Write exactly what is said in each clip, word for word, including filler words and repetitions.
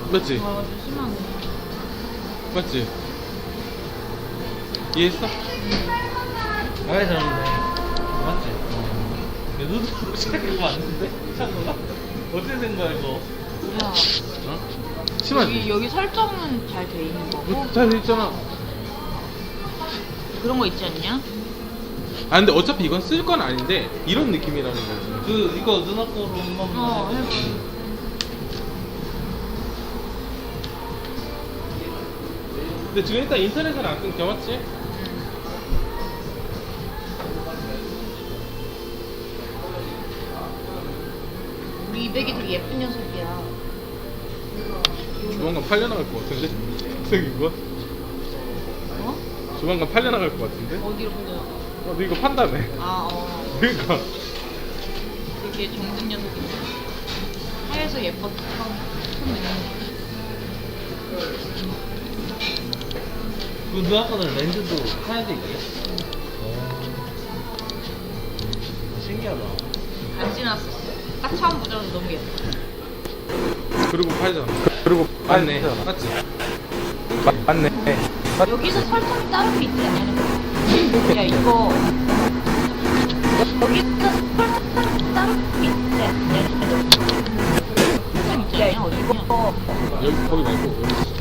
맞지? 와, 좀 심하네. 맞지? 이해했어? 아예 잘하는데 맞지? 내 눈으로 시작해서 왔는데? 찬호가? 어떻게 된 거야 이거? 야, 어? 심하지? 여기, 여기 설정은 잘 돼 있는 거고. 어, 잘 돼있잖아. 그런 거 있지 않냐? 아 근데 어차피 이건 쓸 건 아닌데 이런 느낌이라는 거지. 그 이거 누나 거로 한번 어, 해봐. 해봐. 근데 지금 일단 인터넷은 안 끊겨 맞지? 우리 이백이 되게 예쁜 녀석이야. 조만간 팔려나갈 것 같은데? 생긴 거? 어? 조만간 팔려나갈 것 같은데? 어디로 보려? 어, 너 이거 판다며. 아, 어. 그러니까 되게 정든 녀석인데. 하얘서 예뻤다. 손 내밀는 그 누나 거는 렌즈도 하얀색 있게? 신기하다. 안 지났었어. 딱 처음 보자마자 너무 예뻐. 그리고 팔잖아. 그리고 맞네. 맞지? 맞네. 여기서 설정이 따로 돼 있지 않냐? 야, 이거. 여기서 설정이 따로 돼 있지 않냐? 설정 있지 않냐? 어디냐? 여기 거기 말고 여기.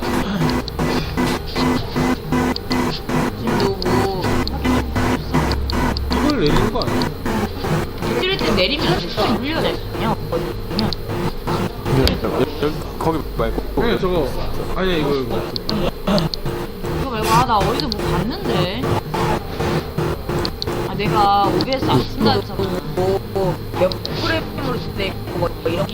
지금 너무 이걸 내리는 거 아니야? 찌를 때 내리면 진짜 물리가 날 수 있냐? 어디냐? 여기 거기 말고. 아니 저거 아니야 이거 이거. 이거 말고, 아, 나 어디서 뭐 봤는데? 아, 내가 오비에스 안 쓴다